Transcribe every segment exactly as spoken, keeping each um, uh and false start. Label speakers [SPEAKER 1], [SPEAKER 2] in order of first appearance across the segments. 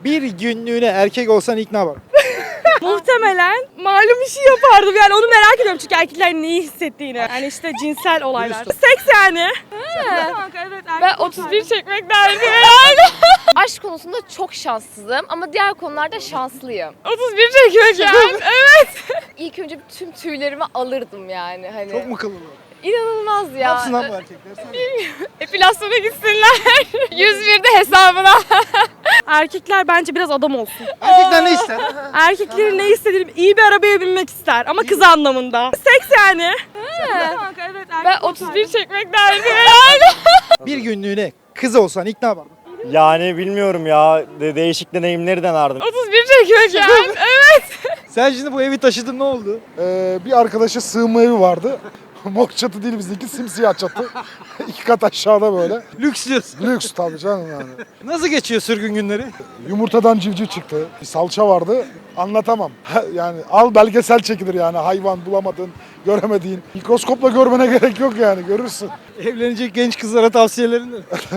[SPEAKER 1] Bir günlüğüne erkek olsan ilk ne yapardın?
[SPEAKER 2] Muhtemelen malum işi yapardım yani onu merak ediyorum çünkü erkekler neyi hissettiğini. Yani işte cinsel olaylar. Seks yani. Kanka, evet,
[SPEAKER 3] Ben otuz bir çekmek derdim yani. Aşk konusunda çok şanssızım ama diğer konularda şanslıyım. otuz bir çekmek yani. Evet. İlk önce tüm tüylerimi alırdım yani hani.
[SPEAKER 1] Çok mu kıllı?
[SPEAKER 3] İnanılmaz
[SPEAKER 1] Ne
[SPEAKER 3] ya.
[SPEAKER 1] yapsın lan bu erkekler? Söyle.
[SPEAKER 3] Epilasyona gitsinler. yüz birde hesabına.
[SPEAKER 2] Erkekler bence biraz adam olsun.
[SPEAKER 1] Erkekler ne ister?
[SPEAKER 2] Erkeklerin ne istediğini iyi bir arabaya binmek ister ama kız anlamında. Seks yani. Kanka, evet,
[SPEAKER 3] Ben otuz bir çekmek derdim yani.
[SPEAKER 1] Bir günlüğüne kız olsan ilk ne yapardın?
[SPEAKER 4] Yani bilmiyorum ya. De- değişik deneyimleri denerdim.
[SPEAKER 3] otuz bir çekmek yani. Evet.
[SPEAKER 1] Sen şimdi bu evi taşıdın, ne oldu?
[SPEAKER 5] Ee, bir arkadaşa sığınma evi vardı. Mok çatı değil bizdeki, simsiyah çatı. İki kat aşağıda böyle.
[SPEAKER 1] Lüks diyorsun.
[SPEAKER 5] Lüks tabii canım yani.
[SPEAKER 1] Nasıl geçiyor sürgün günleri?
[SPEAKER 5] Yumurtadan civciv çıktı. Bir salça vardı. Anlatamam. Yani al belgesel çekilir yani. Hayvan bulamadın, göremediğin. Mikroskopla görmene gerek yok yani, görürsün.
[SPEAKER 1] Evlenecek genç kızlara tavsiyelerin ne?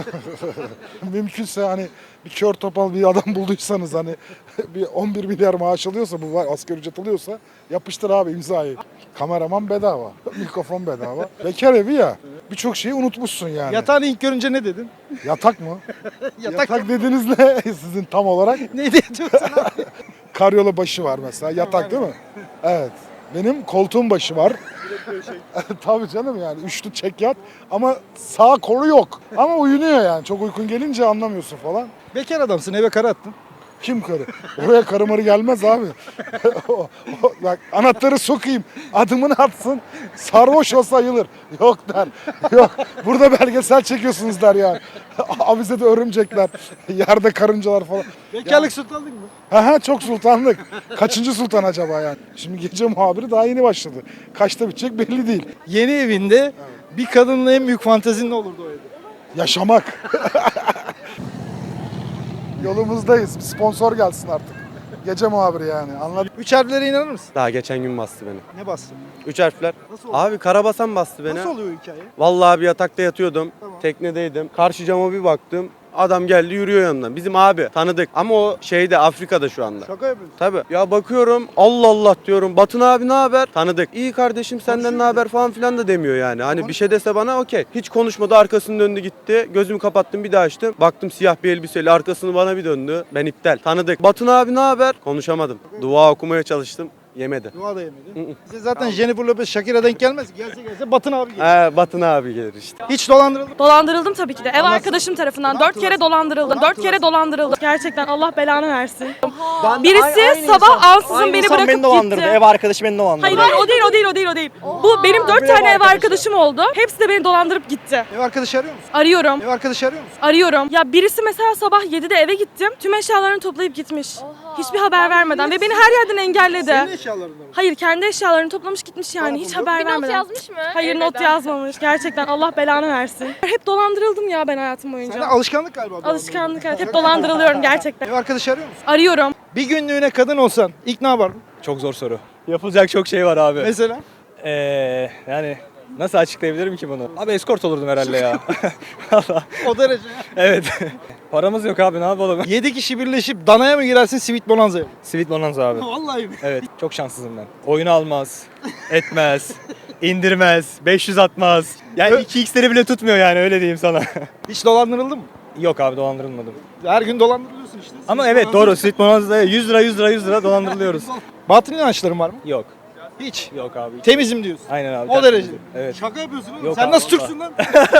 [SPEAKER 5] Mümkünse hani bir kör topal bir adam bulduysanız hani bir on bir milyar maaş alıyorsa, bu var asgari ücret alıyorsa yapıştır abi imzayı. Kameraman bedava, mikrofon bedava. Bekar evi ya, birçok şeyi unutmuşsun yani.
[SPEAKER 1] Yatağını ilk görünce ne dedin?
[SPEAKER 5] Yatak mı?
[SPEAKER 1] Yatak,
[SPEAKER 5] Yatak dediğiniz ne sizin tam olarak?
[SPEAKER 1] neydi yatıyorsun abi?
[SPEAKER 5] Karyola başı var mesela, yatak değil mi? Evet. Benim koltuğum başı var. Tabii canım yani üçlü çek yat ama sağ kolu yok. Ama uyunuyor yani, çok uykun gelince anlamıyorsun falan.
[SPEAKER 1] Bekar adamsın, eve kara attın.
[SPEAKER 5] Kim karı? Oraya karı marı gelmez abi. O- o- Bak anahtarı sokayım, adımını atsın, sarhoş olsa ayılır. Yok der, yok. Burada belgesel çekiyorsunuz der yani. Avizede örümcekler, yerde karıncalar falan.
[SPEAKER 1] Bekarlık sultanlık mı?
[SPEAKER 5] Ha ha, çok sultanlık. Kaçıncı sultan acaba yani? Şimdi gece muhabiri daha yeni başladı. Kaçta bitecek belli değil.
[SPEAKER 1] Yeni evinde bir kadınla en büyük fantezin ne olurdu o evde?
[SPEAKER 5] Yaşamak. Yolumuzdayız. Bir sponsor gelsin artık. Gece muhabiri yani. Anladın?
[SPEAKER 1] Üç harflere inanır mısın?
[SPEAKER 6] Daha geçen gün bastı beni.
[SPEAKER 1] Ne bastın?
[SPEAKER 6] Üç harfler.
[SPEAKER 1] Nasıl oldu?
[SPEAKER 6] Abi karabasan bastı beni.
[SPEAKER 1] Nasıl oluyor o hikaye?
[SPEAKER 6] Vallahi bir yatakta yatıyordum.
[SPEAKER 1] Tamam.
[SPEAKER 6] Teknedeydim. Karşı cama bir baktım. Adam geldi yürüyor yanımdan. Bizim abi tanıdık ama o şeyde Afrika'da şu anda.
[SPEAKER 1] Şaka yapıyorsun.
[SPEAKER 6] Tabii. Ya bakıyorum Allah Allah diyorum. Batın abi ne haber? Tanıdık. İyi kardeşim senden ne haber falan filan da demiyor yani. Hani bir şey dese bana okey. Hiç konuşmadı, arkasını döndü gitti. Gözümü kapattım bir daha açtım. Baktım siyah bir elbiseyle, arkasını bana bir döndü. Ben iptal. Tanıdık. Batın abi ne haber? Konuşamadım. Dua okumaya çalıştım. Yemedi.
[SPEAKER 1] Dua da yemedi. Size zaten Jennifer Lopez Shakira denk gelmez. Gelse gelse Batın abi gelir.
[SPEAKER 6] He, Batın abi gelir işte.
[SPEAKER 1] Hiç dolandırıldın mı?
[SPEAKER 2] Dolandırıldım tabii ki de. Ev arkadaşım tarafından dört kere dolandırıldım. Dört kere dolandırıldım. Gerçekten Allah belanı versin. Birisi sabah ansızın beni bırakıp gitti.
[SPEAKER 4] Ev arkadaşı beni dolandırdı.
[SPEAKER 2] Hayır hayır, o değil o değil o değil o değil. Bu benim dört tane ev arkadaşım oldu. Hepsi de beni dolandırıp gitti.
[SPEAKER 1] Ev arkadaşı arıyor musun?
[SPEAKER 2] Arıyorum.
[SPEAKER 1] Ev arkadaşı arıyor musun?
[SPEAKER 2] Arıyorum. Ya birisi mesela sabah yedide eve gittim. Tüm eşyalarını toplayıp gitmiş. Hiçbir haber vermeden ve beni her yerden engelledi.
[SPEAKER 1] Senin eşyalarında mı?
[SPEAKER 2] Hayır, kendi eşyalarını toplamış gitmiş yani hiç haber
[SPEAKER 3] Bir not
[SPEAKER 2] vermeden.
[SPEAKER 3] yazmış mı?
[SPEAKER 2] Hayır, not
[SPEAKER 3] Elveda.
[SPEAKER 2] yazmamış. Gerçekten Allah belanı versin. Hep dolandırıldım ya ben hayatım boyunca.
[SPEAKER 1] Sende alışkanlık galiba. bu
[SPEAKER 2] Alışkanlık, evet. Hep dolandırılıyorum gerçekten.
[SPEAKER 1] Ev arkadaşı arıyor musun?
[SPEAKER 2] Arıyorum.
[SPEAKER 1] Bir günlüğüne kadın olsan ilk ne yapardın?
[SPEAKER 7] Çok zor soru. Yapılacak çok şey var abi.
[SPEAKER 1] Mesela?
[SPEAKER 7] Ee, yani nasıl açıklayabilirim ki bunu? Abi escort olurdum herhalde ya. Valla.
[SPEAKER 1] O derece.
[SPEAKER 7] Evet. Paramız yok abi, ne yapalım?
[SPEAKER 1] Yedi kişi birleşip danaya mı girersin, Sweet Bonanza'ya mı?
[SPEAKER 7] Sweet Bonanza abi.
[SPEAKER 1] Vallahi mi?
[SPEAKER 7] Evet, çok şanssızım ben. Oyunu almaz, etmez, indirmez, beş yüz atmaz. Yani iki x'leri bile tutmuyor yani, öyle diyeyim sana.
[SPEAKER 1] Hiç dolandırıldın mı?
[SPEAKER 7] Yok abi, dolandırılmadım.
[SPEAKER 1] Her gün dolandırılıyorsun işte.
[SPEAKER 7] Ama
[SPEAKER 1] Sweet
[SPEAKER 7] evet
[SPEAKER 1] Bonanza.
[SPEAKER 7] doğru, Sweet Bonanza'ya yüz lira yüz lira yüz lira dolandırılıyoruz.
[SPEAKER 1] Batıl inançların var mı?
[SPEAKER 7] Yok.
[SPEAKER 1] Hiç.
[SPEAKER 7] Yok abi.
[SPEAKER 1] Temizim diyorsun.
[SPEAKER 7] Aynen abi.
[SPEAKER 1] O derece.
[SPEAKER 7] Evet.
[SPEAKER 1] Şaka yapıyorsun oğlum.
[SPEAKER 7] Yok
[SPEAKER 1] Sen
[SPEAKER 7] abi,
[SPEAKER 1] nasıl
[SPEAKER 7] vallahi.
[SPEAKER 1] Türksün lan?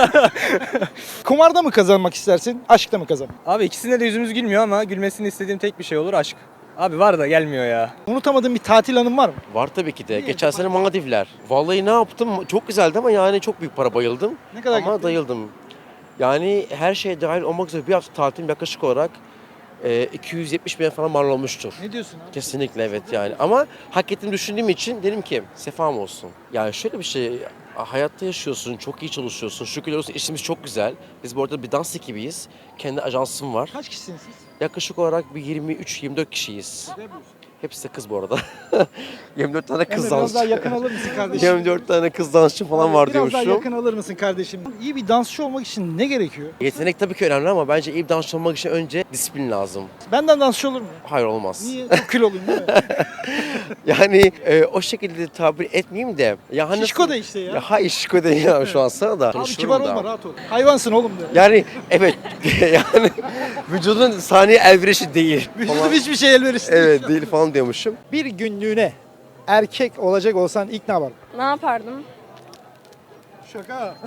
[SPEAKER 1] Kumarda mı kazanmak istersin, aşkta mı kazanmak?
[SPEAKER 7] Abi ikisinde de yüzümüz gülmüyor ama gülmesini istediğim tek bir şey olur, aşk. Abi var da gelmiyor ya.
[SPEAKER 1] Unutamadığın bir tatil anın var mı?
[SPEAKER 8] Var tabii ki de. Geçen sene Maldivler. Vallahi ne yaptım? Çok güzeldi ama yani çok büyük para bayıldım.
[SPEAKER 1] Ne kadar
[SPEAKER 8] Ama
[SPEAKER 1] gittin?
[SPEAKER 8] dayıldım. Yani her şey dahil olmak üzere bir hafta tatilim yaklaşık olarak e, iki yüz yetmiş bin falan mal olmuştur.
[SPEAKER 1] Ne diyorsun abi?
[SPEAKER 8] Kesinlikle evet yani. Ama hak ettiğimi düşündüğüm için dedim ki sefam olsun. Yani şöyle bir şey, hayatta yaşıyorsun, çok iyi çalışıyorsun. Şükürler olsun işimiz çok güzel. Biz bu arada bir dans ekibiyiz. Kendi ajansım var.
[SPEAKER 1] Kaç kişisiniz siz?
[SPEAKER 8] Yaklaşık olarak bir yirmi üç yirmi dört kişiyiz.
[SPEAKER 1] Ne yapıyorsun?
[SPEAKER 8] Hepsi de kız bu arada. yirmi dört tane
[SPEAKER 1] Emre
[SPEAKER 8] kız
[SPEAKER 1] biraz daha
[SPEAKER 8] dansçı.
[SPEAKER 1] yakın alır mısın kardeşim?
[SPEAKER 8] yirmi dört tane kız dansçı falan var
[SPEAKER 1] Biraz daha
[SPEAKER 8] diyormuşum.
[SPEAKER 1] yakın alır mısın kardeşim? İyi bir dansçı olmak için ne gerekiyor?
[SPEAKER 8] Yetenek tabii ki önemli ama bence iyi bir dansçı olmak için önce disiplin lazım.
[SPEAKER 1] Benden dansçı olur mu?
[SPEAKER 8] Hayır olmaz.
[SPEAKER 1] Niye? Çok kiloluyum değil mi?
[SPEAKER 8] Yani e, o şekilde tabir etmeyeyim de. Ya hani
[SPEAKER 1] Şişko da işte ya.
[SPEAKER 8] Ya hayır şişko değil ya şu an sana da.
[SPEAKER 1] Abi
[SPEAKER 8] Konuşurum
[SPEAKER 1] kibar
[SPEAKER 8] da.
[SPEAKER 1] olma, rahat ol. Hayvansın oğlum de.
[SPEAKER 8] Yani evet yani vücudun saniye elverişi değil.
[SPEAKER 1] Vücudum
[SPEAKER 8] falan.
[SPEAKER 1] hiçbir şey elverişli değil.
[SPEAKER 8] Evet değil falan diyormuşum.
[SPEAKER 1] Bir günlüğüne erkek olacak olsan ilk ne yapardın?
[SPEAKER 2] Ne yapardım?
[SPEAKER 1] Şaka.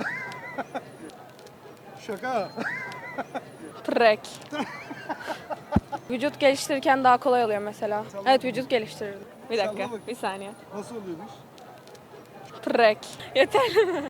[SPEAKER 1] Şaka.
[SPEAKER 2] Trek. Vücut geliştirirken daha kolay oluyor mesela. Evet vücut geliştirirdim. Bir dakika,
[SPEAKER 1] Salla bak.
[SPEAKER 2] bir saniye.
[SPEAKER 1] Nasıl oluyormuş?
[SPEAKER 2] Trek. Yeter.